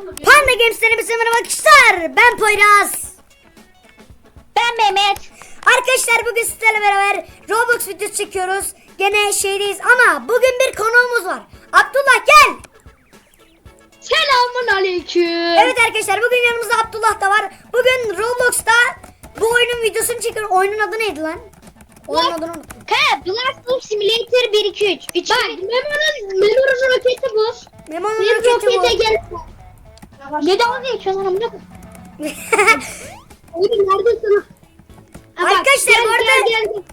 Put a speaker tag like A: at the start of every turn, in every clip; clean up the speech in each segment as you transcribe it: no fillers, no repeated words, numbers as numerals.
A: Panda Games'ten hepinize merhaba arkadaşlar. Ben Poyraz.
B: Ben Mehmet.
A: Arkadaşlar bugün sizlerle beraber Roblox videosu çekiyoruz. Gene şeydeyiz ama bugün bir konuğumuz var. Abdullah gel.
B: Selamun aleyküm.
A: Evet arkadaşlar bugün yanımızda Abdullah da var. Bugün Roblox'ta bu oyunun videosunu çekiyoruz. Oyunun adı neydi lan? Oyunun adını unuttum.
B: Blast Simulator 1 2 3. Bak Memo'nun roketi bu.
A: Memo'nun
B: Bir
A: roketi bu.
B: rokete gel. Ne dalga geçiyorsun lan amına? Oğlum neredesin?
A: Arkadaşlar, bu arada-
B: gel.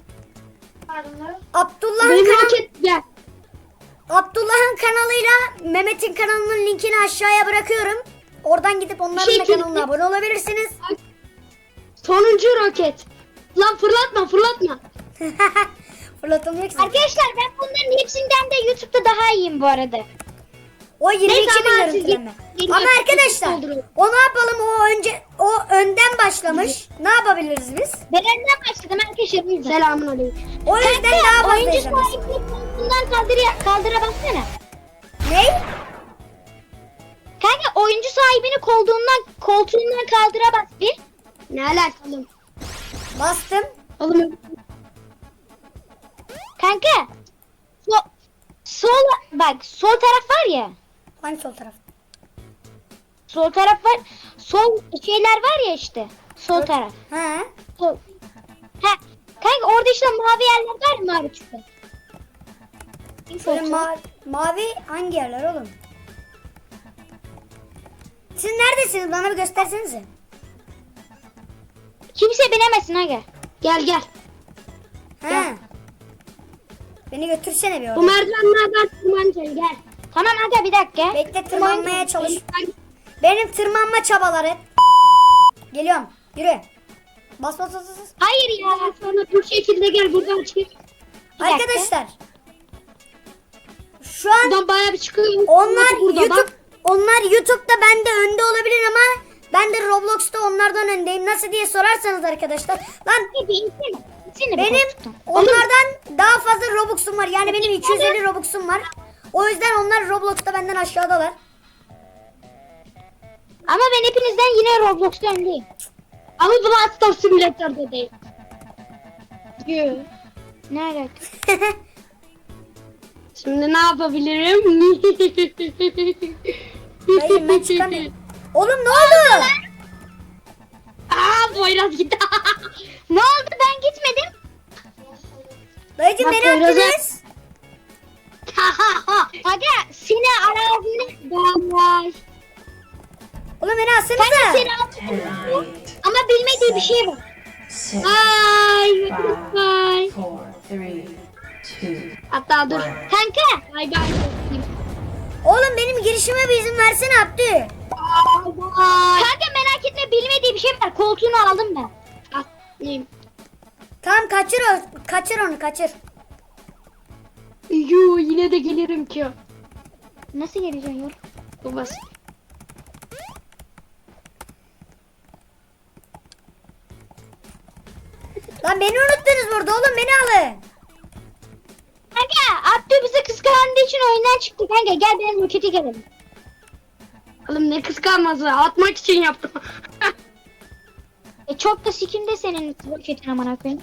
A: Abdullah'ın kanalıyla Mehmet'in kanalının linkini aşağıya bırakıyorum. Oradan gidip onların da kanalına abone olabilirsiniz.
B: Sonuncu roket. Lan fırlatma.
A: Fırlatılmıyor ki.
B: Arkadaşlar ben bunların hepsinden de YouTube'da daha iyiyim bu arada.
A: O 22
B: Neyse,
A: bin
B: ama
A: görüntülenme.
B: siz-
A: Ama arkadaşlar o ne yapalım, o önden başlamış. Ne yapabiliriz biz?
B: Ben önden başladım arkadaşlar. Selamun aleyküm.
A: O yüzden daha fazla
B: oyuncu
A: izlemez.
B: sahibini koltuğundan kaldıra baksana.
A: Ne?
B: Kanka oyuncu sahibini koltuğundan kaldıra bas bir. Ne alakalı?
A: Bastım.
B: Oğlum. Kanka. Sol taraf var ya.
A: Hangi sol taraf?
B: Sol taraf var. Sol şeyler var ya işte. Sol taraf.
A: He.
B: Sol. Ha. Kanka orada işte mavi yerler var mı mavi çıktı?
A: Şöyle mavi hangi yerler oğlum? Siz neredesiniz? Bana bir göstersenize.
B: Kimse binemesin aga. Gel.
A: He. Beni götürsene bir
B: Bu
A: oraya.
B: merdivenlerden tırmanacaksın gel. Tamam aga bir dakika.
A: Bekle, tırmanmaya çalış. Benim tırmanma çabaları. Geliyorum. Yürü. Bas.
B: Hayır ya. Sonra bu şekilde gel buradan çık.
A: Arkadaşlar. Şu an
B: Buradan bayağı bir çıkıyor.
A: onlar
B: Burada
A: YouTube
B: bak.
A: onlar YouTube'da bende önde olabilir ama ben de Roblox'ta onlardan öndeyim. Nasıl diye sorarsanız arkadaşlar. Lan benim onlardan daha fazla Robux'um var. Yani benim 250 Robux'um var. O yüzden onlar Roblox'ta benden aşağıdalar.
B: Ama ben hepinizden yine Roblox'ta öndeyim. Ama Blast Simulator'da değil. Ne alaka? Şimdi ne yapabilirim?
A: Dayım ben çıkamıyorum. Oğlum ne oldu?
B: Poyraz gitti. Ne oldu ben gitmedim.
A: Dayıcım
B: Bak,
A: beni
B: Poyraz'a-
A: attınız.
B: Aga seni aradığını var.
A: Oğlum beni
B: Ben
A: atsanıza.
B: de seni aradığını ama bilmediği bir şey var. Bye. Bye.
C: 4, 3, 2,
B: Hatta dur. Kanka. Bye bye.
A: Oğlum benim girişime bir izin versene Abdü.
B: Kanka merak etme bilmediği bir şey var. Koltuğunu aldım ben. Atlayayım.
A: Tamam kaçır onu kaçır.
B: Yine de gelirim ki. Nasıl geleceksin yol? Bu basit.
A: Lan beni unuttunuz burada oğlum, beni alın.
B: Kanka Abdü bizi kıskandığı için oyundan çıktı kanka. Gel benim roketi gelelim. Oğlum ne kıskanması? Atmak için yaptım. Çok da sikimde senin roketin amına koyayım.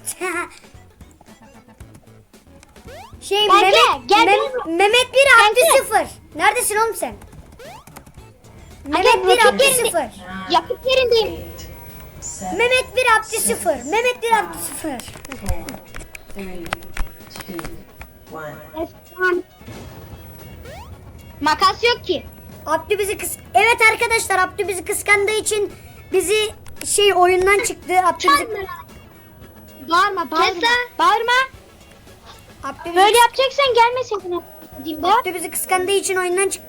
B: Kanka, gel benim-
A: Mehmet 1 Abdü
B: Kanka.
A: 0. Neredesin oğlum sen?
B: Aga,
A: Mehmet 1
B: roket
A: Abdü
B: yerinde-
A: 0.
B: Yakıt yerindeyim.
C: 8, 7,
A: Mehmet 1 Abdü 0. Mehmet 1 Abdü 0.
C: 4, 3, 2, 1.
B: Makas yok ki.
A: Abdü bizi Evet arkadaşlar, Abdü bizi kıskandığı için bizi oyundan çıktı. Abdü bizi
B: Bağırma. Bağırma.
A: Abdü bizi,
B: Böyle yapacaksan gelmeseydin.
A: Abdü bizi kıskandığı için oyundan çıktı.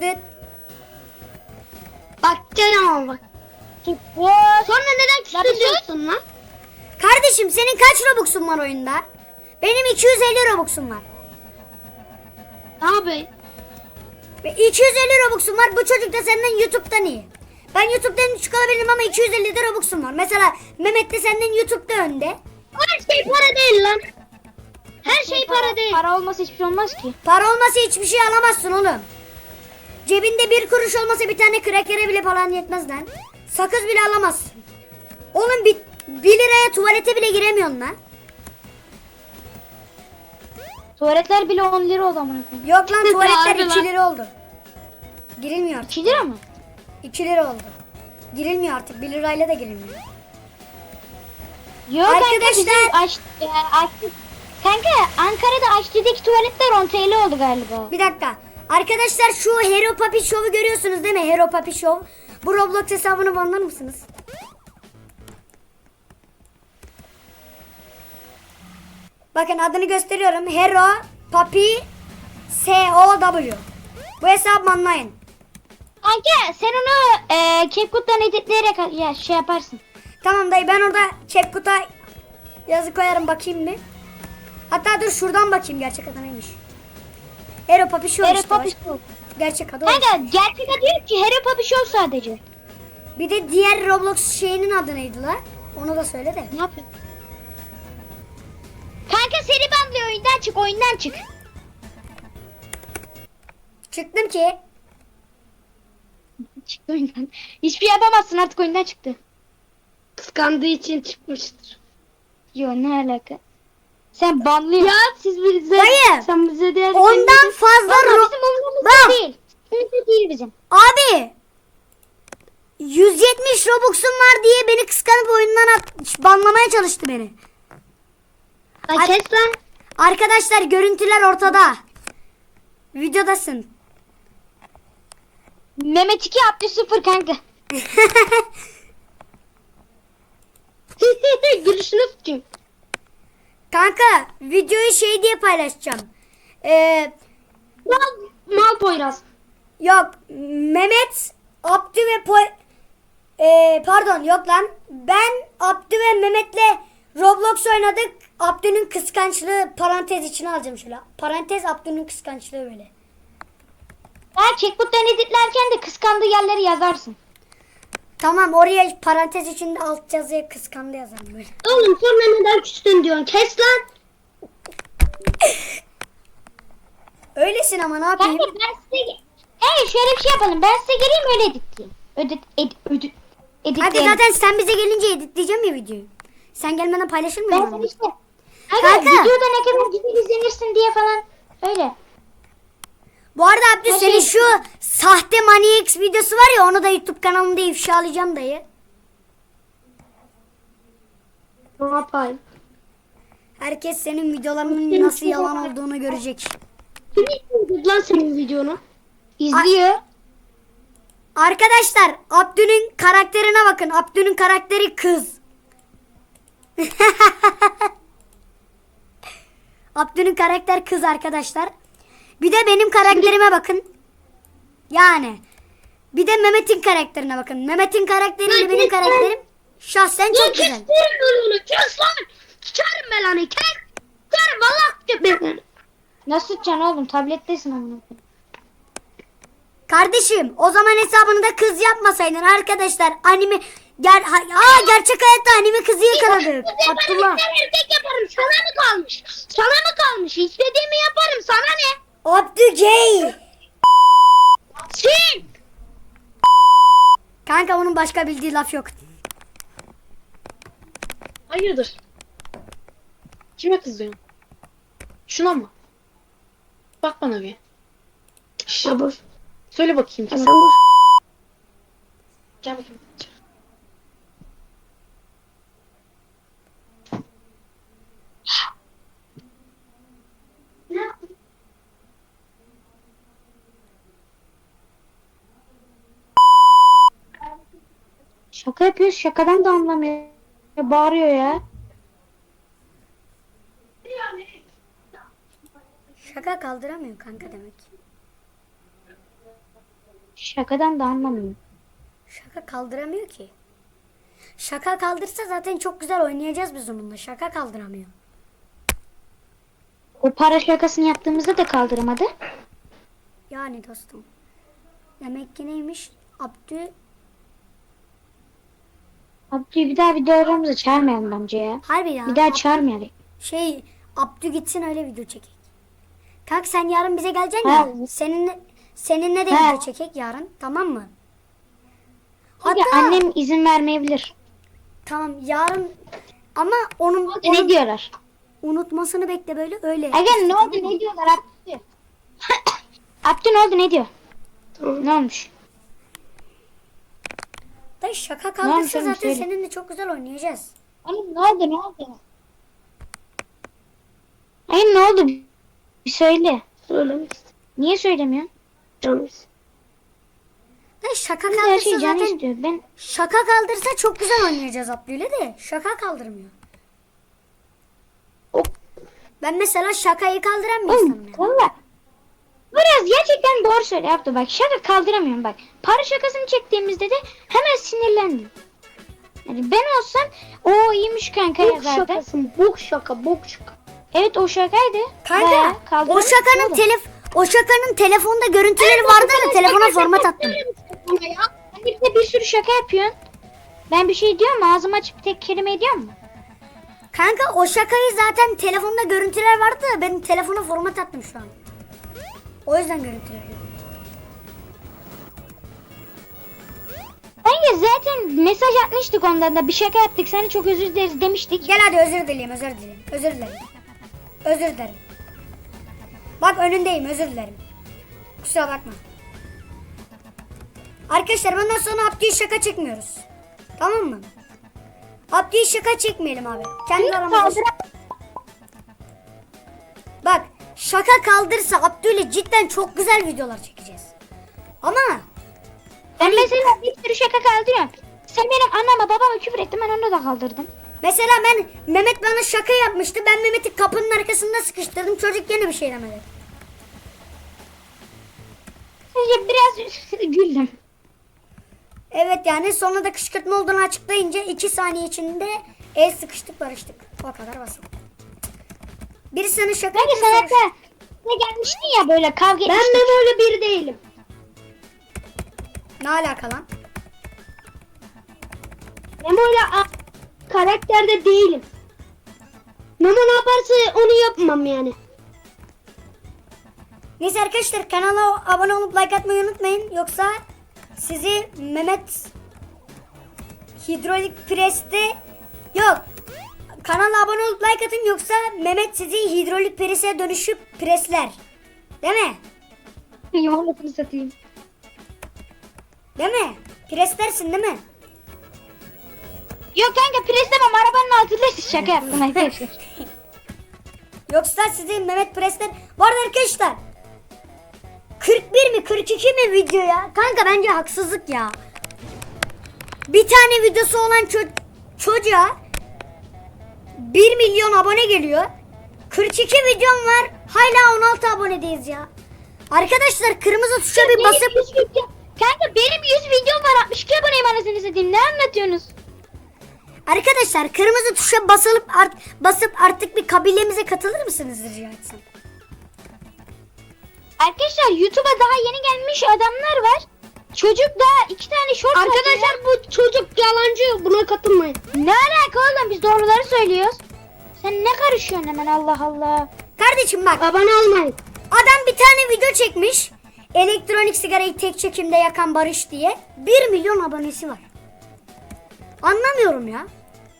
B: Bak canım bak. Sonra neden küstürüyorsun lan?
A: Kardeşim senin kaç Robux'un var oyunda? Benim 250 Robux'um var.
B: Abi.
A: Ve 250 Robux'um var. Bu çocuk da senden YouTube'dan iyi. Ben YouTube'dan düşük olabilirim ama 250 de Robux'um var. Mesela Mehmet de senden YouTube'da önde.
B: Her şey para değil lan. Her şey para değil. Para olmasa hiçbir şey olmaz ki.
A: Para olmasa hiçbir şey alamazsın oğlum. Cebinde 1 kuruş olmasa bir tane krakere bile falan yetmez lan. Sakız bile alamazsın. Oğlum 1 liraya tuvalete bile giremiyorsun lan.
B: Tuvaletler bile 10 lira oldu amına koyayım.
A: Yok lan tuvaletler
B: Harbi
A: 2
B: lan.
A: lira oldu. Girilmiyor artık.
B: 2 lira mı?
A: 2 lira oldu. Girilmiyor artık. 1 lirayla da girilmiyor.
B: Yok
A: Arkadaşlar-
B: kanka bizim kanka Ankara'da Aşçı'daki tuvaletler 10 TL oldu galiba.
A: Bir dakika. Arkadaşlar şu Hero Papi Show'u görüyorsunuz değil mi? Hero Papi Show. Bu Roblox hesabını banlar mısınız? Bakın adını gösteriyorum. Hero Papi SOW. Bu hesabı banlayın.
B: Kanka sen onu CapCut'tan editleyerek ya şey yaparsın.
A: Tamam dayı ben orada CapCut'a yazı koyarım bakayım bir. Hatta dur şuradan bakayım gerçek adı neymiş. Hero Papi Show
B: Hero
A: işte.
B: Papi
A: bak.
B: Show.
A: Gerçek adı o.
B: Kanka gerçek adı yok ki Hero Papi Show sadece.
A: Bir de diğer Roblox şeyinin adı neydi la? Onu da söyle de.
B: Ne yapıyorsun? Kanka seni banlıyor oyundan çık.
A: Çıktım ki.
B: Çıktı oyundan. Hiçbir şey yapamazsın artık oyundan çıktı. Kıskandığı için çıkmıştır. Yo ne alaka? Sen banlıyor. Ya siz bize
A: Dayı,
B: sen bize diğer
A: ondan fazla
B: bizim umurumuzda
A: Bak.
B: değil. Umurumuzda değil bizim.
A: Abi 170 Robux'um var diye beni kıskanıp oyundan banlamaya çalıştı beni.
B: Lan kes lan.
A: Arkadaşlar görüntüler ortada. Videodasın.
B: Mehmet 2 yaptı 0 kanka. Gülüşünü tutayım.
A: Kanka videoyu şey diye paylaşacağım.
B: Mal Poyraz.
A: Yok Mehmet, Abdü ve pardon yok lan. Ben Abdü ve Mehmet'le Roblox oynadık. Abdü'nün kıskançlığı parantez içine alacağım şöyle. Parantez Abdü'nün kıskançlığı böyle.
B: Ben checkbook'tan editlerken de kıskandığı yerleri yazarsın.
A: Tamam oraya parantez içinde alt yazıya kıskandı yazarım böyle.
B: Oğlum sonra neden küstün diyorsun? Kes lan.
A: Öylesin ama ne yapayım?
B: Kanka ben size... şöyle bir şey yapalım. Ben size geleyim öyle editleyeyim.
A: Hadi
B: Editleyelim.
A: zaten sen bize gelince editleyeceğim ya videoyu. Sen gelmeden paylaşır mıyım?
B: Ben
A: onu?
B: sana işte...
A: Kanka.
B: Kanka videoda ne kadar güzel izlenirsin diye falan. Öyle.
A: Bu arada Abdü
B: Her
A: senin
B: şey-
A: şu sahte Money X videosu var ya onu da YouTube kanalımda ifşalayacağım dayı.
B: Ne yapayım?
A: Herkes senin videolarının nasıl yalan olduğunu görecek.
B: Kim izledi lan senin videonu? İzliyor.
A: Arkadaşlar Abdü'nün karakterine bakın. Abdü'nün karakteri kız. Abdü'nün karakter kız arkadaşlar. Bir de benim karakterime bakın. Yani. Bir de Mehmet'in karakterine bakın. Mehmet'in karakteriyle benim karakterim şahsen çok güzel.
B: onu. Kes lan. Çıkarım ben onu. Kes. Çıkarım valla. Nasıl tutacaksın oğlum? Tablettesin amına koyayım.
A: Kardeşim o zaman hesabını da kız yapmasaydın arkadaşlar. Anime gerçek hayatta anime kızı yakaladık. Abdullah.
B: Ben erkek yaparım. Sana mı kalmış? Sana mı kalmış? İstediğimi yaparım. Sana ne?
A: Abdü gay.
B: Sen.
A: Kanka onun başka bildiği laf yok.
D: Hayırdır? Kime kızıyorsun? Şuna mı? Bak bana bir.
B: Sabır.
D: Söyle bakayım kime?
B: Sabır.
D: Gel bakayım.
B: Şaka yapıyor. Şakadan da anlamıyor. Bağırıyor ya.
A: Şaka kaldıramıyor kanka demek.
B: Şakadan da anlamıyor.
A: Şaka kaldıramıyor ki. Şaka kaldırsa zaten çok güzel oynayacağız biz onunla. Şaka kaldıramıyor.
B: O para şakasını yaptığımızda da kaldıramadı.
A: Yani dostum. Demek ki neymiş? Abdü.
B: Abdü'yü bir daha videolarımıza çağırmayalım bence ya.
A: Harbi ya.
B: Bir daha çağırmayalım.
A: Abdü gitsin öyle video çekek. Kanka sen yarın bize geleceksin ya.
B: Ha.
A: Seninle de
B: He.
A: video çekek yarın, tamam mı?
B: Hatta
A: Hatta
B: annem izin vermeyebilir.
A: tamam yarın ama onun
B: Ne diyorlar?
A: unutmasını bekle böyle öyle.
B: Aga ne oldu ne diyorlar Abdü? Abdü ne oldu ne diyor? Ne olmuş?
A: Da şaka
B: Ne
A: kaldıysa
B: olmuş oğlum,
A: zaten
B: söyle.
A: seninle çok güzel oynayacağız.
B: Oğlum ne oldu ne oldu? Hayır ne oldu? Bir söyle.
D: Söylemek
B: Niye söylemiyorsun?
D: istiyorum.
A: Da şaka
B: Her
A: kaldırsa
B: şey canı
A: zaten
B: istiyor. Ben
A: şaka kaldırsa çok güzel oynayacağız Abdü'yle de şaka kaldırmıyor.
D: O-
A: Ben mesela şakayı kaldıran bir insanım yani.
B: valla. Biraz gerçekten doğru söyle Abdü bak. Şaka kaldıramıyorum bak. Para şakasını çektiğimizde de hemen sinirlendim. Yani ben olsam o iyiymiş kanka
D: Bok
B: yazardı.
D: şakası. Bok şaka. Bok şaka.
B: Evet o şakaydı.
A: Kanka
B: Bayağı
A: o
B: kaldıramıyorum.
A: şakanın o şakanın telefonda görüntüleri vardı da telefona format attım.
B: Hani bir de bir sürü şaka yapıyorsun. Ben bir şey diyorum mu? Ağzımı açıp tek kelime ediyorum mu?
A: Kanka o şakayı zaten telefonda görüntüler vardı da ben telefona format attım şu an. O yüzden görüntüler yok.
B: Bence zaten mesaj atmıştık ondan da bir şaka yaptık. Sana çok özür dileriz demiştik.
A: Gel hadi özür dileyim, özür dileyim. Özür dilerim. Özür dilerim. Bak önündeyim, özür dilerim. Kusura bakma. Arkadaşlar bundan sonra Abdü'ye şaka çekmiyoruz. Tamam mı? Abdü'ye şaka çekmeyelim abi. Kendi aramızda. Bak şaka kaldırsa Abdü'yle cidden çok güzel videolar çekeceğiz. Ama
B: Ben mesela bir sürü şaka kaldırıyorum. Sen benim anneme babama küfür ettin ben onu da kaldırdım.
A: mesela Mehmet bana şaka yapmıştı. Ben Mehmet'i kapının arkasında sıkıştırdım. Çocuk gene bir şey demedi.
B: Sadece biraz güldüm.
A: Evet yani sonra da kışkırtma olduğunu açıklayınca 2 saniye içinde el sıkıştık barıştık. O kadar basit. Biri sana şaka
B: Bence
A: yapıyor,
B: sen
A: sonra-
B: hatta ne gelmiştin ya böyle kavga
D: Ben
B: etmiştik.
D: Memo'yla bir değilim.
A: Ne alaka lan?
D: Memo'yla karakterde değilim. Memo ne yaparsa onu yapmam yani.
A: Neyse arkadaşlar kanala abone olup like atmayı unutmayın. Yoksa sizi Mehmet hidrolik preste yok. Kanala abone olup like atın yoksa Mehmet sizi hidrolik prese dönüşüp presler. Değil mi?
B: Yumurtasını satayım.
A: Değil mi? Preslersin değil mi?
B: Yok kanka pres demem arabanın altında şaka yaptım arkadaşlar.
A: Yoksa sizi Mehmet presler. Bu arada arkadaşlar 41 mi 42 mi video ya? Kanka bence haksızlık ya. Bir tane videosu olan çocuğa 1 milyon abone geliyor. 42 videom var. Hala 16 abonedeyiz ya. Arkadaşlar kırmızı tuşa bir basıp
B: Kanka benim 100 videom var 62 aboneyim anasını satayım ne anlatıyorsunuz?
A: arkadaşlar kırmızı tuşa basıp artık bir kabilemize katılır mısınız rica etsem?
B: Arkadaşlar YouTube'a daha yeni gelmiş adamlar var. Çocuk daha 2 tane short
D: Arkadaşlar bu çocuk yalancı. Buna katılmayın.
B: ne alaka oğlum biz doğruları söylüyoruz. Sen ne karışıyorsun hemen Allah Allah.
A: Kardeşim bak
D: Abone olmayın.
A: adam bir tane video çekmiş. Elektronik sigarayı tek çekimde yakan Barış diye. 1 milyon abonesi var. Anlamıyorum ya.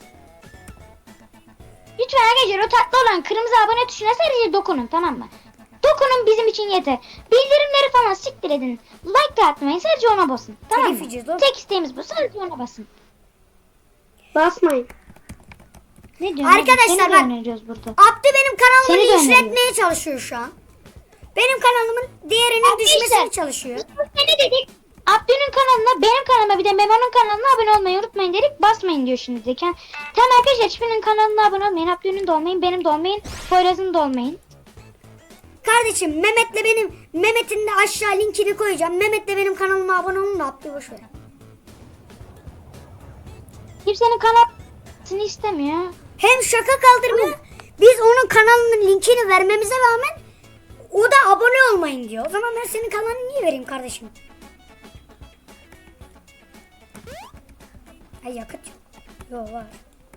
B: Lütfen arkadaşlar o tatlı olan kırmızı abone tuşuna sadece dokunun tamam mı? Dokunun bizim için yeter. Bildirimleri falan siktir edin. Like da atmayın sadece ona basın. Tamam
A: Telif
B: mı?
A: yiyeceğiz oğlum.
B: Tek isteğimiz bu sadece ona basın.
D: Basmayın.
B: Ne diyorsun?
A: Arkadaşlar
B: Seni de
A: bak.
B: öneriyoruz burada.
A: Abdü benim kanalımı
B: Seni de
A: linçletmeye çalışıyor şu an. Benim kanalımın değerinin
B: Arkadaşlar,
A: düşmesini çalışıyor.
B: Ne dedik? Abdü'nün kanalına, benim kanalıma bir de Memo'nun kanalına abone olmayı unutmayın dedik. Basmayın diyor şimdi de. Tamam arkadaşlar hiçbirinin kanalına abone olmayın. Abdü'nün de olmayın, benim de olmayın. Poyraz'ın da olmayın.
A: Kardeşim Mehmet'in de aşağı linkini koyacağım. Mehmet de benim kanalıma abone olun da Abdü boş ver.
B: Kimsenin kanalını istemiyor.
A: Hem şaka kaldırmıyor. Biz onun kanalının linkini vermemize rağmen o da abone olmayın diyor. O zaman ben senin kanalını niye vereyim kardeşim? Ay yakıt yok. Yok var.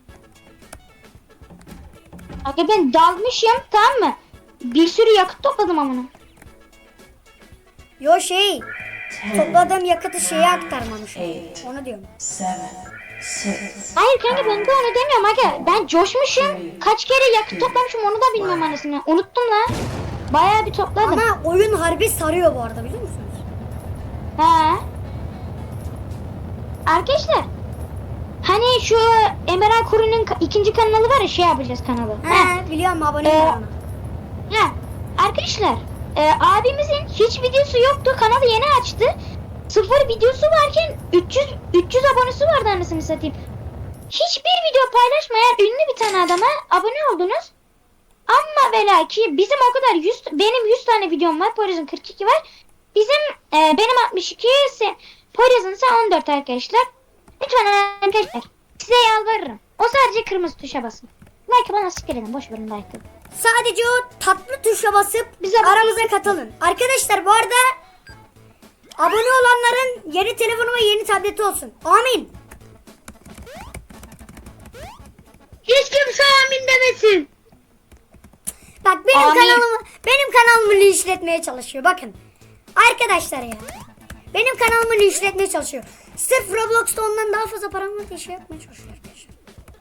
B: Abi ben dalmışım tamam mı? Bir sürü yakıt topladım amına.
A: Yo şey.
C: 10,
A: Topladığım yakıtı şeye aktarmamış. Onu diyorum.
C: 7, 6,
B: Hayır kanka ben de onu demiyorum aga. Ben coşmuşum. Kaç kere yakıt toplamışım onu da bilmiyorum anasını. Unuttum lan. Bayağı bir topladım.
A: Ama oyun harbi sarıyor bu arada biliyor musunuz?
B: He. Arkadaşlar. Hani şu Emeral Kuru'nun ikinci kanalı var ya şey yapacağız kanalı.
A: He biliyorum aboneyim ben ona.
B: Ha, arkadaşlar abimizin hiç videosu yoktu. Kanalı yeni açtı. 0 videosu varken 300 abonesi vardı anasını satayım. Hiçbir video paylaşmayan ünlü bir tane adama abone oldunuz. Ama ve lakin bizim o kadar benim 100 tane videom var. Poyraz'ın 42 var. Benim 62 Poyraz'ın ise 14 arkadaşlar. Lütfen arkadaşlar size yalvarırım. O sadece kırmızı tuşa basın. Like bana siktir edin. Boş verin like'ı.
A: Sadece o tatlı tuşa basıp
B: Bize
A: aramıza katılın. Arkadaşlar bu arada abone olanların yeni telefonu ve yeni tableti olsun. Amin.
D: Hiç kimse amin demesin.
A: Bak
B: Amin.
A: benim kanalımı linçletmeye çalışıyor. Bakın. Arkadaşlar ya. Benim kanalımı linçletmeye çalışıyor. Sırf Roblox'ta ondan daha fazla param var diye şey yapmaya çalışıyor arkadaşlar.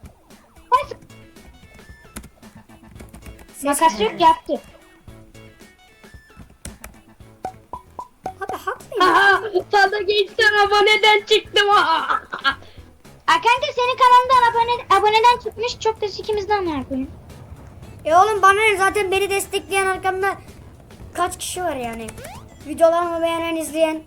B: Makas yok yaptı.
A: Abi haklıyım.
D: Aha, sana gençler aboneden çıktım. Aha.
B: Kanka senin kanalından aboneden çıkmış. Çok da ikimizden ne yapayım?
A: Oğlum bana ne zaten beni destekleyen arkamda kaç kişi var yani. Videolarımı beğenen izleyen.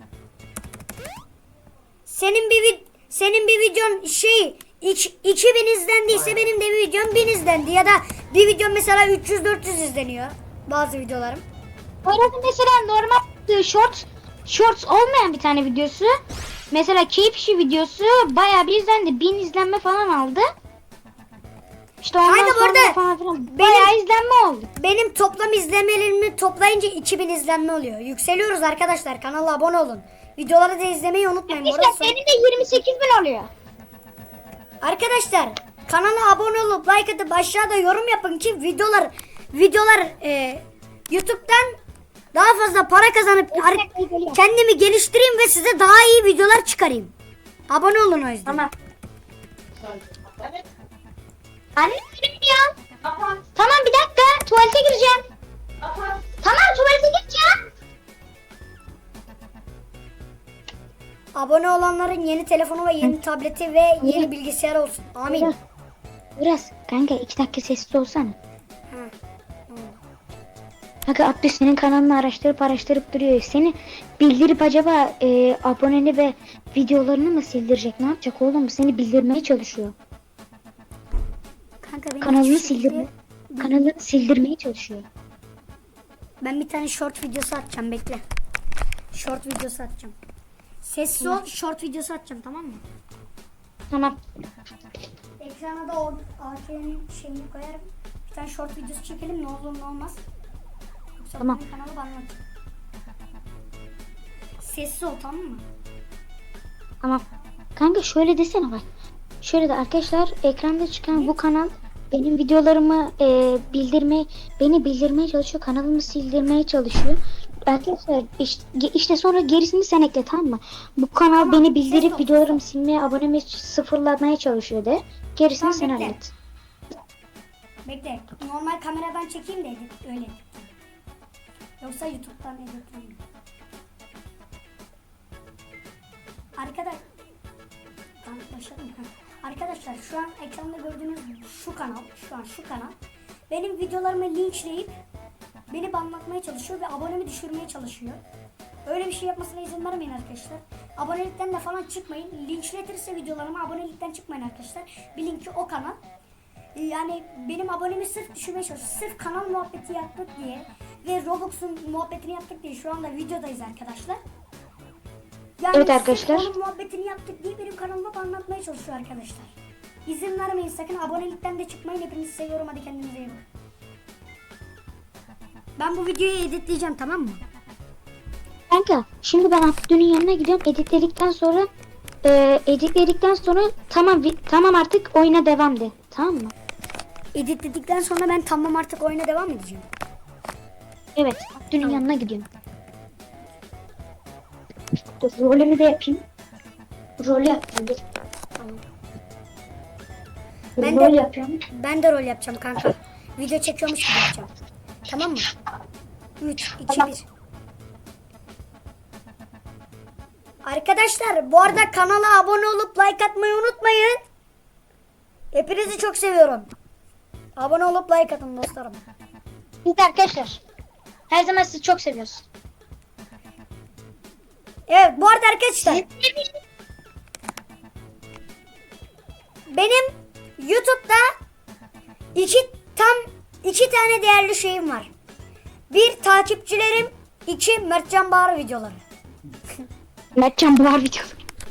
A: Senin bir videon 2000 izlendiyse benim de bir videom 1000 izlendi ya da bir videom mesela 300-400 izleniyor bazı videolarım.
B: Poyraz'ın mesela normal shorts olmayan bir tane videosu. Mesela keyif işi videosu bayağı bir izlendi. 1000 izlenme falan aldı. İşte ondan
A: Aynen bu
B: sonra
A: arada
B: falan filan bayağı izlenme oldu.
A: Benim toplam izlemelerimi toplayınca 2000 izlenme oluyor. Yükseliyoruz arkadaşlar. Kanala abone olun. Videoları da izlemeyi unutmayın.
B: İşte
A: Orası-
B: benim de 28.000 oluyor.
A: Arkadaşlar kanala abone olup like atıp aşağıda yorum yapın ki videolar YouTube'dan daha fazla para kazanıp kendimi geliştireyim ve size daha iyi videolar çıkarayım. Abone olun o yüzden.
B: Tamam. Anne benim ya. Tamam bir dakika tuvalete gireceğim. Tamam tuvalete gideceğim.
A: Abone olanların yeni telefonu ve yeni tableti ve yeni bilgisayar olsun. Amin.
B: Biraz kanka 2 dakika sessiz olsana.
A: Ha.
B: Kanka Abdü senin kanalını araştırıp duruyor. Seni bildirip acaba aboneni ve videolarını mı sildirecek? Ne yapacak oğlum? Seni bildirmeye çalışıyor.
A: Kanka benim
B: Kanalını
A: hiçbir şekilde-
B: sildirmeye çalışıyor.
A: Ben bir tane short videosu atacağım bekle. Short videosu atacağım. Sessiz ol, short videosu atacağım tamam mı?
B: Tamam.
A: Ekrana da o AK'nin şeyini koyarım. Bir tane short videosu çekelim ne olur ne olmaz. Yoksa
B: Tamam.
A: benim kanalı bana atacak. Sessiz ol tamam mı?
B: Tamam. Kanka şöyle desene bak. Şöyle de arkadaşlar ekranda çıkan bu kanal benim videolarımı beni bildirmeye çalışıyor. Kanalımı sildirmeye çalışıyor. Arkadaşlar işte sonra gerisini sen ekle tamam mı? Bu kanal
A: Tamam,
B: beni bildirip
A: ses ol.
B: videolarımı silmeye, abonemi sıfırlamaya çalışıyor de. Gerisini
A: Tamam,
B: sen
A: bekle.
B: hallet.
A: Bekle. Normal kameradan çekeyim de öyle. Yoksa YouTube'dan editleyeyim. Arkadaşlar başladım. Arkadaşlar şu an ekranda gördüğünüz şu kanal benim videolarımı linçleyip beni banlatmaya çalışıyor ve abonemi düşürmeye çalışıyor. Öyle bir şey yapmasına izin vermeyin arkadaşlar. Abonelikten de falan çıkmayın. Linçletirse videolarımı abonelikten çıkmayın arkadaşlar. Bilin ki o kanal yani benim abonemi sırf düşürmeye çalışıyor. Sırf kanal muhabbeti yaptık diye ve Roblox'un muhabbetini yaptık diye şu anda videodayız arkadaşlar. Yani
B: Evet
A: sırf
B: arkadaşlar.
A: onun muhabbetini yaptık diye benim kanalıma anlatmaya çalışıyor arkadaşlar. İzin vermeyin sakın abonelikten de çıkmayın. Hepinizi seviyorum hadi kendinize iyi bakın. Ben bu videoyu editleyeceğim tamam mı?
B: Kanka şimdi ben Abdü'nün yanına gidiyorum. Editledikten sonra tamam artık oyuna devam de. Tamam mı?
A: Editledikten sonra ben tamam artık oyuna devam edeceğim.
B: Evet. Abdü'nün yanına gidiyorum. Dur rolümü de yapayım. Rol yapayım dur.
A: Ben
B: Rol
A: de-
B: yapıyorum.
A: Ben de rol yapacağım kanka. Video çekiyormuş gibi yapacağım. Tamam mı? 3, 2,
B: Tamam.
A: 1. Arkadaşlar bu arada kanala abone olup like atmayı unutmayın. Hepinizi çok seviyorum. Abone olup like atın dostlarım.
B: Biz de arkadaşlar. Her zaman sizi çok seviyoruz.
A: Evet bu arada arkadaşlar benim YouTube'da tam iki tane değerli şeyim var. Bir takipçilerim, iki Mertcan Bahar videoları.
B: Mertcan Buhar videosu.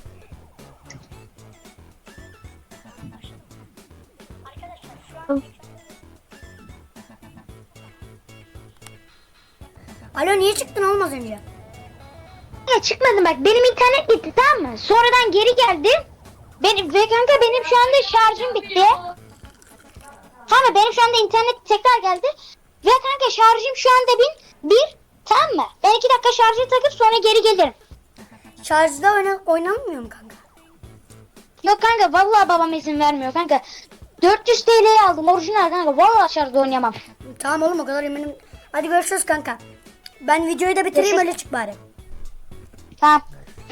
A: Alo niye çıktın oğlum az önce?
B: Ya çıkmadım bak benim internet gitti tamam mı? Sonradan geri geldim. Kanka benim şu anda şarjım bitti. Tamam benim şu anda internet tekrar geldi. Ve kanka şarjım şu anda bir tamam mı? Ben 2 dakika şarjı takıp sonra geri gelirim.
A: Şarjda oynanmıyor mu kanka?
B: Yok kanka vallahi babam izin vermiyor kanka. 400 TL'ye aldım orijinal kanka. Vallahi şarjda oynayamam.
A: Tamam oğlum o kadar eminim. Hadi görüşürüz kanka. Ben videoyu da bitireyim
B: Görüşürüz.
A: öyle çık bari.
B: Tamam.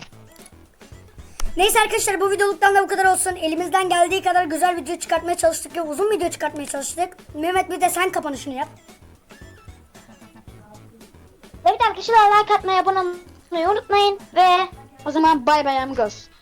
A: Neyse arkadaşlar bu videoluktan da bu kadar olsun. Elimizden geldiği kadar güzel video çıkartmaya çalıştık ve uzun video çıkartmaya çalıştık. Mehmet bir de sen kapanışını yap.
B: Evet arkadaşlar like atmayı abone olmayı unutmayın. Ve o zaman bay bay amigos.